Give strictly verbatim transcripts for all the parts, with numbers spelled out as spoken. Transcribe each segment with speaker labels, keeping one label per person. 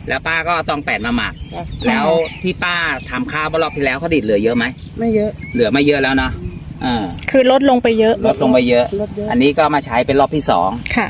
Speaker 1: แล้วป้าก็ตองแปดมาหมักแล้วที่ป้าทำข้าวรอบที่แล้วเขาดิดเหลือเยอะไหม
Speaker 2: ไม่เยอะ
Speaker 1: เหลือไม่เยอะแล้วเนาะอ่า
Speaker 3: คือลดลงไปเยอะ
Speaker 1: ลดลงไปเยอะอันนี้ก็มาใช้เป็นรอบที่สอง
Speaker 3: ค่ะ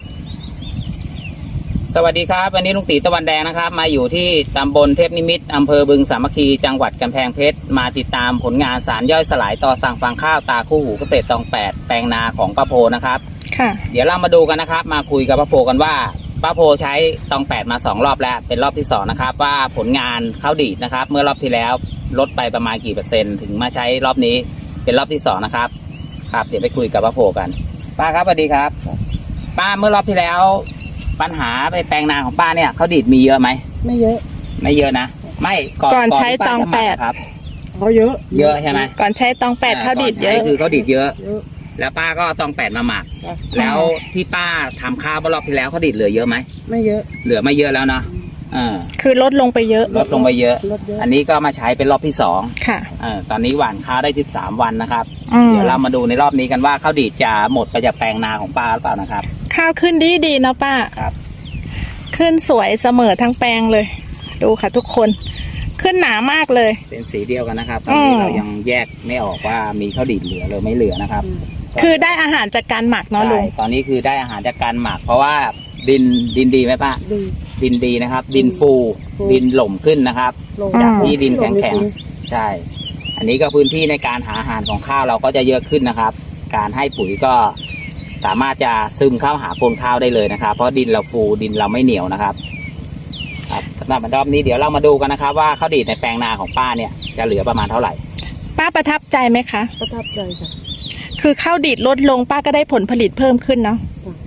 Speaker 1: สวัสดีครับวันนี้ลุงตีตะวันแดงนะครับมาอยู่ที่ตำบลเทพนิมิตรอำเภอบึงสามัคคีจังหวัดกำแพงเพชรมาติดตามผลงานสารย่อยสลายต่อสั่งฟางข้าวตาคู่หูเกษตรตองแปดแปลงนาของป้าโพนะครับ
Speaker 3: ค่ะ
Speaker 1: เดี๋ยวเรามาดูกันนะครับมาคุยกับป้าโพกันว่าป้าโพใช้ตองแปดมาสองรอบแล้วเป็นรอบที่สองนะครับว่าผลงานข้าวดีดนะครับเมื่อรอบที่แล้วลดไปประมาณกี่เปอร์เซ็นต์ถึงมาใช้รอบนี้เป็นรอบที่สองนะครับครับเดี๋ยวไปคุยกับป้าโพกันป้าครับสวัสดีครับป้าเมื่อรอบที่แล้วปัญหาไปแปลงนาของป้าเนี่ยเขาดีดมีเยอะไหม
Speaker 2: ไม่เยอะ
Speaker 1: ไม่เยอะนะไม่ก่อน
Speaker 3: ก่อนใช้ตองแปด
Speaker 1: ครับ
Speaker 2: เขาเยอะ
Speaker 1: เยอะใช่ไหม
Speaker 3: ก่อนใช้ตองแปดเขาดีดเยอะ
Speaker 1: คือเขาดีดเยอะแล้วป้าก็ตองแปดมาหมักแล้วที่ป้าทำข้าวรอบที่แล้วเขาดีดเหลือเยอะไหม
Speaker 2: ไม่เยอะ
Speaker 1: เหลือไม่เยอะแล้วเนาะอ่า
Speaker 3: คือลดลงไปเยอะ
Speaker 1: ลดลงไปเยอะอันนี้ก็มาใช้เป็นรอบที่สอง
Speaker 3: ค่ะ
Speaker 1: อ่าตอนนี้หว่านข้าวได้สิบสามวันนะครับเดี๋ยวเรามาดูในรอบนี้กันว่าข้าวดีดจะหมดไปจากแปลงนาของป้าหรือเปล่านะครับ
Speaker 3: ข้าวขึ้นดีดีนะป้า
Speaker 1: ครับ
Speaker 3: ขึ้นสวยเสมอทั้งแปลงเลยดูค่ะทุกคนขึ้นหนามากเลย
Speaker 1: เป็นสีเดียวกันนะครับตอนนี้เรายังแยกไม่ออกว่ามีข้าวดีดเหลือหรือไม่เหลือนะครับ
Speaker 3: คือได้อาหารจากการหมักเนาะลุง
Speaker 1: ตอนนี้คือได้อาหารจากการหมักเพราะว่าดินดินดีไหมป้าดินดีนะครับดินฟูดินหล่มขึ้นนะครับจากที่ดินแข็งแข็งใช่อันนี้ก็พื้นที่ในการหาอาหารของข้าวเราก็จะเยอะขึ้นนะครับการให้ปุ๋ยก็สามารถจะซึมเข้าหาโคนข้าวได้เลยนะครับเพราะดินเราฟูดินเราไม่เหนียวนะครับครับสำหรับรอบนี้เดี๋ยวเรามาดูกันนะครับว่าข้าวดีดในแปลงนาของป้าเนี่ยจะเหลือประมาณเท่าไหร่
Speaker 3: ป้าประทับใจไหมคะ
Speaker 2: ประทับใจค่ะ
Speaker 3: คือข้าวดีดลดลงป้าก็ได้ผลผลิตเพิ่มขึ้นเนาะ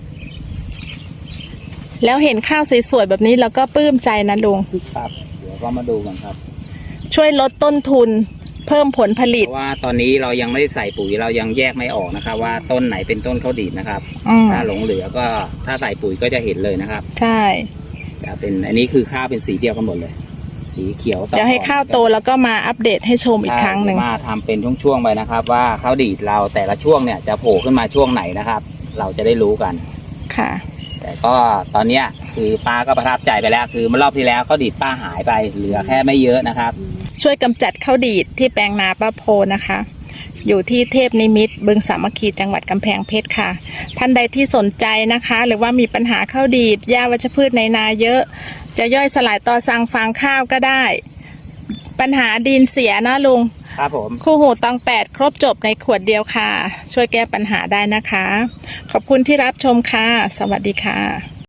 Speaker 3: แล้วเห็นข้าวสวยๆแบบนี้เราก็ปลื้มใจนะลุง
Speaker 1: ครับเดี๋ยวก็มาดูกันครับ
Speaker 3: ช่วยลดต้นทุนเพิ่มผลผลิต
Speaker 1: เพราะว่าตอนนี้เรายังไม่ได้ใส่ปุ๋ยเรายังแยกไม่ออกนะครับว่าต้นไหนเป็นต้นข้าวดีดนะครับถ้าหลงเหลือก็ถ้าใส่ปุ๋ยก็จะเห็นเลยนะครับ
Speaker 3: ใช่
Speaker 1: จะเป็นอันนี้คือข้าวเป็นสีเดียวกันหมดเลยสีเขียว
Speaker 3: เดี๋ยวให้ข้าวโตแล้วก็มาอัปเดตให้ชมอีกครั้งหนึ่ง
Speaker 1: มาทำเป็นช่วงๆไปนะครับว่าข้าวดีดเราแต่ละช่วงเนี่ยจะโผล่ขึ้นมาช่วงไหนนะครับเราจะได้รู้กัน
Speaker 3: ค่ะ
Speaker 1: แต่ก็ตอนนี้คือป้าก็ประทับใจไปแล้วคือเมื่อรอบที่แล้วข้าวดีดป้าหายไปเหลือแค่ไม่เยอะนะครับ
Speaker 3: ช่วยกำจัดข้าวดีดที่แปลงนาป้าโพนะคะอยู่ที่เทพนิมิตรบึงสามัคคีจังหวัดกำแพงเพชรค่ะท่านใดที่สนใจนะคะหรือว่ามีปัญหาข้าวดีดหญ้าวัชพืชในนาเยอะจะย่อยสลายต่อสั่งฟางข้าวก็ได้ปัญหาดินเสียนะลุง
Speaker 1: ครับผม
Speaker 3: คู่หูตองแปดครบจบในขวดเดียวค่ะช่วยแก้ปัญหาได้นะคะขอบคุณที่รับชมค่ะสวัสดีค่ะ